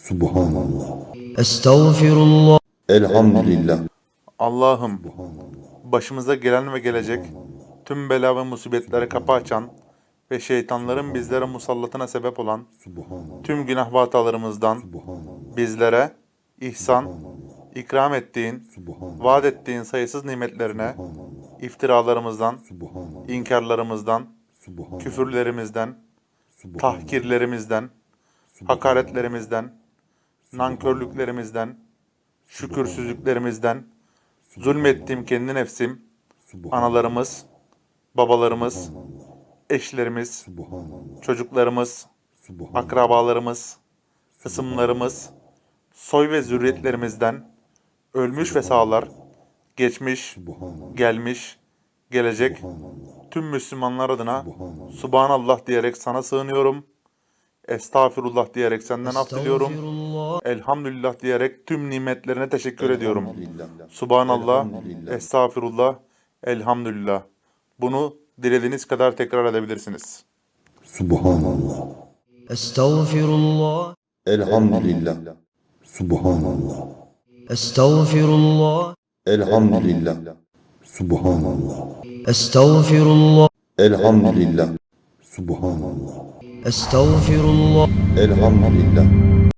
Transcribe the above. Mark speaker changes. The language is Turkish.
Speaker 1: Subhanallah.
Speaker 2: Estağfirullah.
Speaker 1: Elhamdülillah.
Speaker 3: Allah'ım, başımıza gelen ve gelecek tüm bela ve musibetlere kapı açan ve şeytanların bizlere musallatına sebep olan tüm günah ve hatalarımızdan bizlere ihsan, ikram ettiğin, vaat ettiğin sayısız nimetlerine, iftiralarımızdan, inkarlarımızdan, küfürlerimizden, tahkirlerimizden, hakaretlerimizden, nankörlüklerimizden, şükürsüzlüklerimizden, zulmettiğim kendi nefsim, analarımız, babalarımız, eşlerimiz, çocuklarımız, akrabalarımız, hısımlarımız, soy ve zürriyetlerimizden, ölmüş ve sağlar, geçmiş, gelmiş, gelecek, tüm Müslümanlar adına Subhanallah diyerek sana sığınıyorum. Estağfirullah diyerek senden af diliyorum.
Speaker 2: Estağfirullah.
Speaker 3: Elhamdülillah diyerek tüm nimetlerine teşekkür ediyorum.
Speaker 1: Elhamdülillah.
Speaker 3: Subhanallah,
Speaker 1: Elhamdülillah.
Speaker 3: estağfirullah, elhamdülillah. Bunu dilediğiniz kadar tekrar edebilirsiniz.
Speaker 1: Subhanallah.
Speaker 2: Estağfirullah.
Speaker 1: Elhamdülillah. Subhanallah.
Speaker 2: Estağfirullah.
Speaker 1: Elhamdülillah. Subhanallah.
Speaker 2: Estağfirullah.
Speaker 1: Elhamdülillah. Subhanallah.
Speaker 2: Estağfirullah.
Speaker 1: Elhamdülillah.